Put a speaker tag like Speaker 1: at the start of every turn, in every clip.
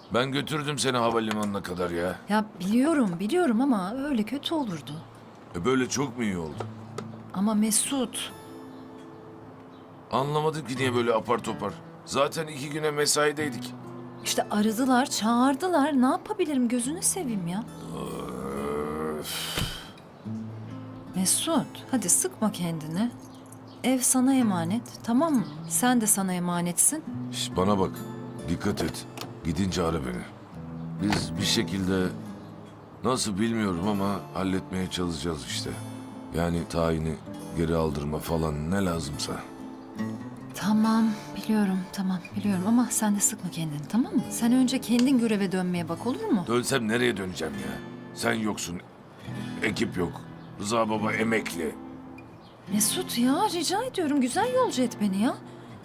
Speaker 1: Ben götürdüm seni havalimanına kadar ya.
Speaker 2: Ya biliyorum ama öyle kötü olurdu.
Speaker 1: Böyle çok mu iyi oldu?
Speaker 2: Ama Mesut,
Speaker 1: Anlamadım ki niye böyle apar topar. Zaten 2 güne mesaideydik.
Speaker 2: işte aradılar, çağırdılar. Ne yapabilirim gözünü seveyim ya.
Speaker 1: Öf.
Speaker 2: Mesut, hadi sıkma kendini. Ev sana emanet, tamam mı? Sen de sana emanetsin.
Speaker 1: Şş, bana bak. Dikkat et. Gidince ara beni. Biz bir şekilde nasıl bilmiyorum ama halletmeye çalışacağız işte. Yani tayini geri aldırma falan ne lazımsa.
Speaker 2: Tamam, tamam biliyorum ama sen de sıkma kendini, tamam mı? Sen önce kendin göreve dönmeye bak, olur mu?
Speaker 1: Dönsem nereye döneceğim ya? Sen yoksun. Ekip yok. Rıza baba emekli.
Speaker 2: Mesut ya, rica ediyorum güzel yolcu et beni ya.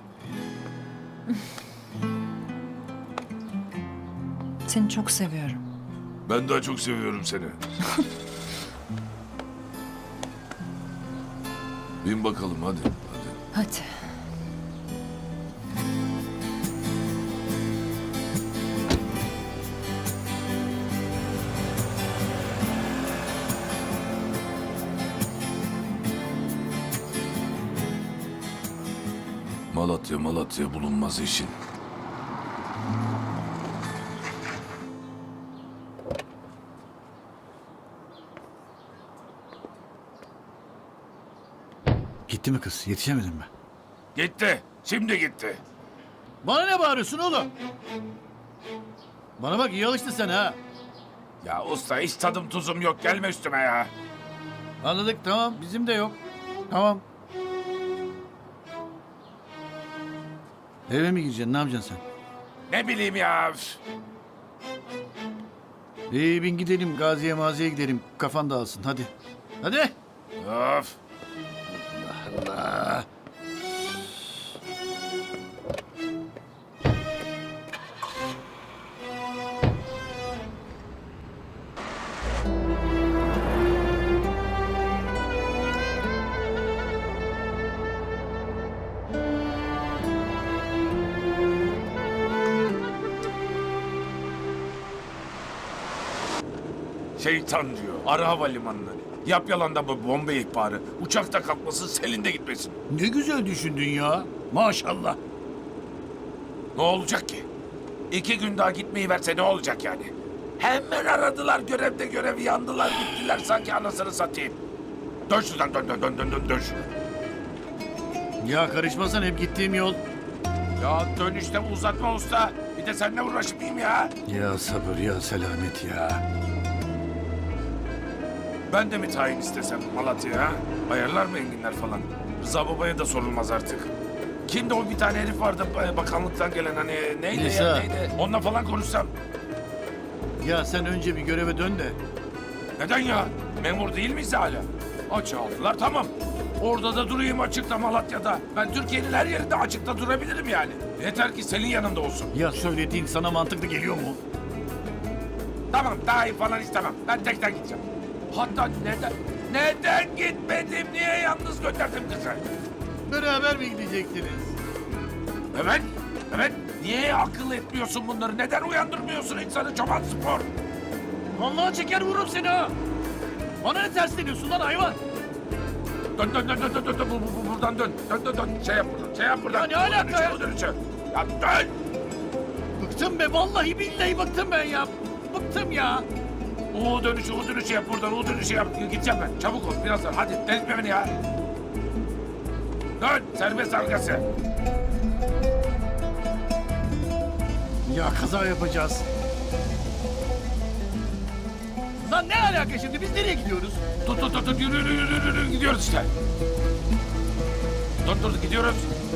Speaker 2: Seni çok seviyorum.
Speaker 1: Ben daha çok seviyorum seni. Bin bakalım hadi.
Speaker 2: Hadi.
Speaker 1: Malatya bulunmaz işin.
Speaker 3: Gitti mi kız? Yetişemedin mi?
Speaker 1: Gitti. Şimdi gitti.
Speaker 3: Bana ne bağırıyorsun oğlum? Bana bak iyi alıştın sen ha.
Speaker 1: Ya usta hiç tadım tuzum yok. Gelme üstüme ya.
Speaker 3: Anladık tamam bizim de yok. Tamam. Eve mi gireceksin ne yapacaksın sen?
Speaker 1: Ne bileyim ya. Üf.
Speaker 3: İyi bin gidelim Gazi'ye maziye gidelim kafan dağılsın hadi. Hadi.
Speaker 1: Of.
Speaker 3: Allah.
Speaker 1: Şeytan diyor. Ara havalimanını. Yap yalandan bu bomba ihbarı. Uçakta kalkmasın, Selin de gitmesin.
Speaker 3: Ne güzel düşündün ya. Maşallah.
Speaker 1: Ne olacak ki? 2 gün daha gitmeyi verse ne olacak yani? Hemen aradılar görevde görevi yandılar gittiler sanki anasını satayım. Dön şuradan dön şuradan.
Speaker 3: Ya karışmasan hep gittiğim yol.
Speaker 1: Ya dönüşte uzatma usta. Bir de seninle uğraşmayayım ya.
Speaker 3: Ya sabır ya selamet ya.
Speaker 1: Ben de mi tayin istesem Malatya'ya ha? Ayarlar mı enginler falan? Rıza babaya da sorulmaz artık. Kimdi o bir tane herif vardı bakanlıktan gelen hani neydi
Speaker 3: İsa.
Speaker 1: ya neydi? Onunla falan konuşsam.
Speaker 3: Ya sen önce bir göreve dön de.
Speaker 1: Neden ya? Memur değil miyiz hala? Açığa aldılar tamam. Orada da durayım açıkta Malatya'da. Ben Türkiye'nin her yerinde açıkta durabilirim yani. Yeter ki senin yanında olsun.
Speaker 3: Ya söylediğin sana mantıklı geliyor mu?
Speaker 1: Tamam daha iyi falan istemem. Ben tekten gideceğim. Hatta neden gitmedim? Niye yalnız gönderdim kızı?
Speaker 3: Beraber mi gidecektiniz?
Speaker 1: Evet. Niye akıl etmiyorsun bunları? Neden uyandırmıyorsun insanı çoban spor?
Speaker 3: Vallahi çeker vururum seni ha. Bana ne tersleniyorsun lan hayvan?
Speaker 1: Dön. Buradan dön. Dön. Şey yap buradan.
Speaker 3: Ya ne alaka ya?
Speaker 1: O dönüşü. Ya dön.
Speaker 3: Bıktım be vallahi billahi bıktım ben ya. Bıktım ya.
Speaker 1: O dönüşü yap buradan. O dönüşü yap. Gideceğim ben. Çabuk ol birazdan. Hadi delirtme beni ya. Dön. Serbest arkası.
Speaker 3: Ya kaza yapacağız. Lan ne alaka şimdi biz nereye gidiyoruz?
Speaker 1: Tut. Yürü. Gidiyoruz işte. Dur. Gidiyoruz.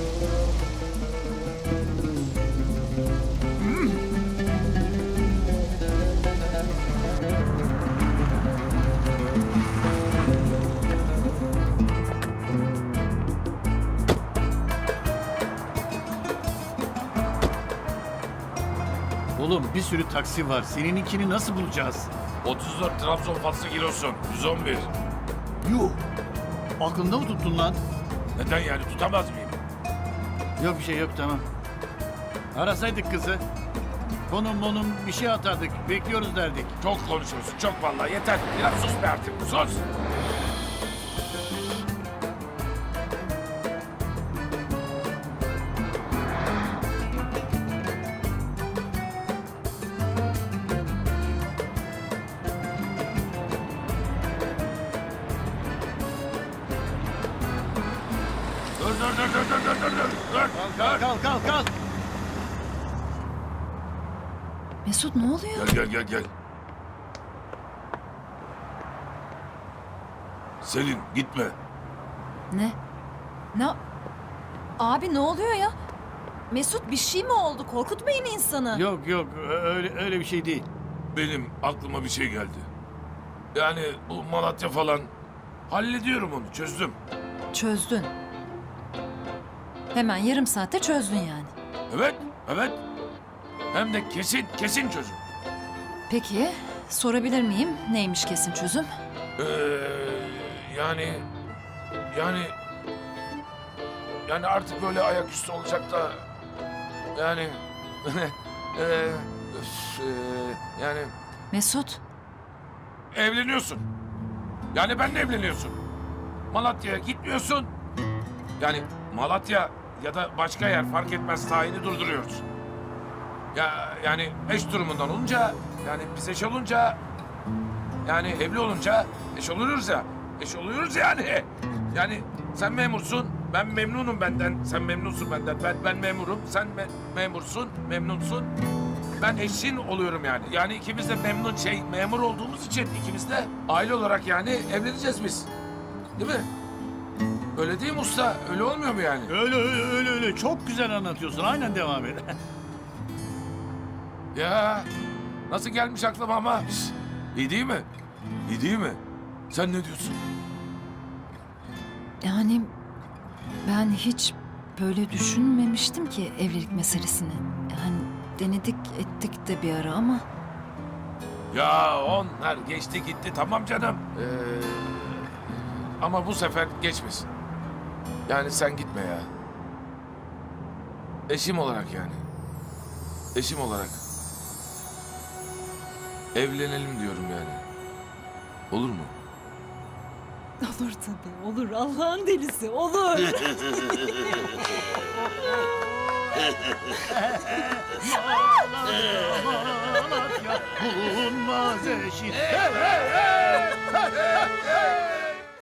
Speaker 3: Oğlum bir sürü taksi var. Senininkini nasıl bulacağız?
Speaker 1: 34 Trabzon faslı kilosun. 111.
Speaker 3: Yuh. Aklında mı tuttun lan?
Speaker 1: Neden yani tutamaz mıyım?
Speaker 3: Yok bir şey yok tamam. Arasaydık kızı. Konum bir şey atardık. Bekliyoruz derdik.
Speaker 1: Çok konuşuyorsun, çok vallahi. Yeter. Biraz sus be artık, sus. Dur.
Speaker 3: Kalk.
Speaker 2: Mesut ne oluyor?
Speaker 1: Gel. Selin gitme.
Speaker 2: Ne? Ne? Abi ne oluyor ya? Mesut bir şey mi oldu? Korkutmayın insanı.
Speaker 3: Yok öyle bir şey değil.
Speaker 1: Benim aklıma bir şey geldi. Yani bu Malatya falan hallediyorum onu, çözdüm.
Speaker 2: Çözdün. Hemen yarım saatte çözdün yani.
Speaker 1: Evet. Hem de kesin çözüm.
Speaker 2: Peki sorabilir miyim neymiş kesin çözüm?
Speaker 1: Yani artık böyle ayaküstü olacak da yani yani
Speaker 2: Mesut
Speaker 1: evleniyorsun. Yani benle evleniyorsun. Malatya'ya gitmiyorsun. Yani Malatya ya da başka yer fark etmez, tayini durduruyoruz. Yani eş durumundan olunca, yani biz eş olunca, yani evli olunca eş oluyoruz ya. Eş oluyoruz yani. Yani sen memursun, ben memnunum benden. Sen memnunsun benden. Ben memurum, sen memursun, memnunsun. Ben eşin oluyorum yani. Yani ikimiz de memur olduğumuz için ikimiz de aile olarak yani evleneceğiz biz. Değil mi? Öyle değil mi usta? Öyle olmuyor mu yani?
Speaker 3: Öyle. Çok güzel anlatıyorsun. Aynen devam et.
Speaker 1: Ya nasıl gelmiş aklıma ama? Şş, İyi değil mi? İyi değil mi? Sen ne diyorsun?
Speaker 2: yani ben hiç böyle düşünmemiştim ki evlilik meselesini. Yani denedik ettik de bir ara ama
Speaker 1: Ya onlar geçti gitti tamam canım. Ama bu sefer geçmesin. Yani sen gitme ya. Eşim olarak yani. Eşim olarak. Evlenelim diyorum yani. Olur mu?
Speaker 4: Olur tabii, olur. Allah'ın delisi, olur.
Speaker 3: Malatya bulunmaz eşi.